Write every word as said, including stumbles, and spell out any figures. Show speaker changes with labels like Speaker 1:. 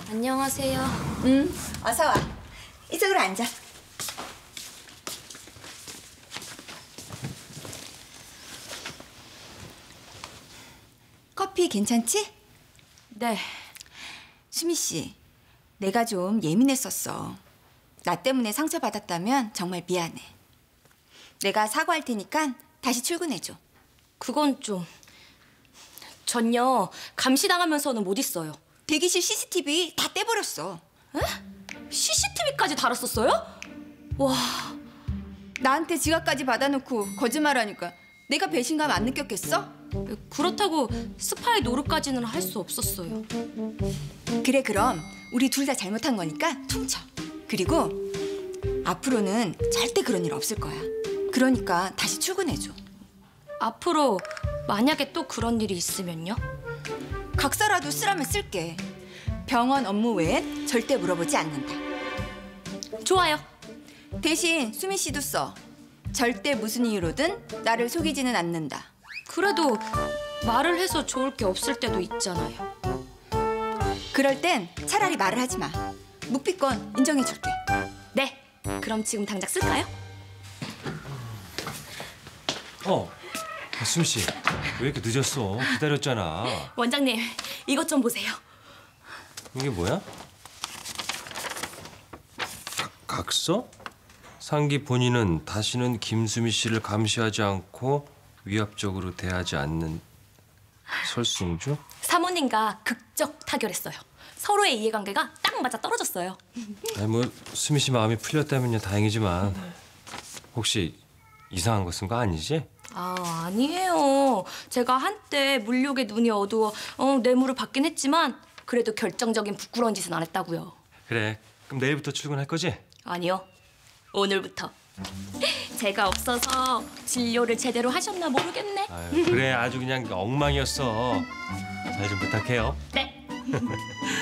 Speaker 1: 안녕하세요.
Speaker 2: 응, 어서 와. 이쪽으로 앉아. 커피 괜찮지?
Speaker 1: 네.
Speaker 2: 수미 씨, 내가 좀 예민했었어. 나 때문에 상처받았다면 정말 미안해. 내가 사과할 테니까 다시 출근해줘.
Speaker 1: 그건 좀... 전요, 감시당하면서는 못 있어요.
Speaker 2: 대기실 씨씨티비 다 떼버렸어.
Speaker 1: 에? 씨씨티비까지 달았었어요? 와...
Speaker 2: 나한테 지갑까지 받아놓고 거짓말하니까 내가 배신감 안 느꼈겠어?
Speaker 1: 그렇다고 스파이 노릇까지는 할 수 없었어요.
Speaker 2: 그래, 그럼 우리 둘 다 잘못한 거니까 퉁쳐. 그리고 앞으로는 절대 그런 일 없을 거야. 그러니까 다시 출근해줘.
Speaker 1: 앞으로 만약에 또 그런 일이 있으면요?
Speaker 2: 각서라도 쓰라면 쓸게. 병원 업무 외엔 절대 물어보지 않는다.
Speaker 1: 좋아요.
Speaker 2: 대신 수미 씨도 써. 절대 무슨 이유로든 나를 속이지는 않는다.
Speaker 1: 그래도 말을 해서 좋을 게 없을 때도 있잖아요.
Speaker 2: 그럴 땐 차라리 말을 하지 마. 묵비권 인정해줄게.
Speaker 1: 네, 그럼 지금 당장 쓸까요?
Speaker 3: 어, 수미 씨, 왜 이렇게 늦었어? 기다렸잖아.
Speaker 1: 원장님, 이것 좀 보세요.
Speaker 3: 이게 뭐야? 각, 각서? 상기 본인은 다시는 김수미 씨를 감시하지 않고 위압적으로 대하지 않는 설승주?
Speaker 1: 사모님과 극적 타결했어요. 서로의 이해관계가 딱 맞아 떨어졌어요.
Speaker 3: 아니 뭐 수미 씨 마음이 풀렸다면요 다행이지만 혹시 이상한 거 쓴 거 아니지?
Speaker 1: 아, 아니에요. 제가 한때 물욕에 눈이 어두워 어, 뇌물을 받긴 했지만 그래도 결정적인 부끄러운 짓은 안 했다고요.
Speaker 3: 그래, 그럼 내일부터 출근할 거지?
Speaker 1: 아니요, 오늘부터. 제가 없어서 진료를 제대로 하셨나 모르겠네.
Speaker 3: 아유, 그래, 아주 그냥 엉망이었어. 잘 좀 부탁해요.
Speaker 1: 네.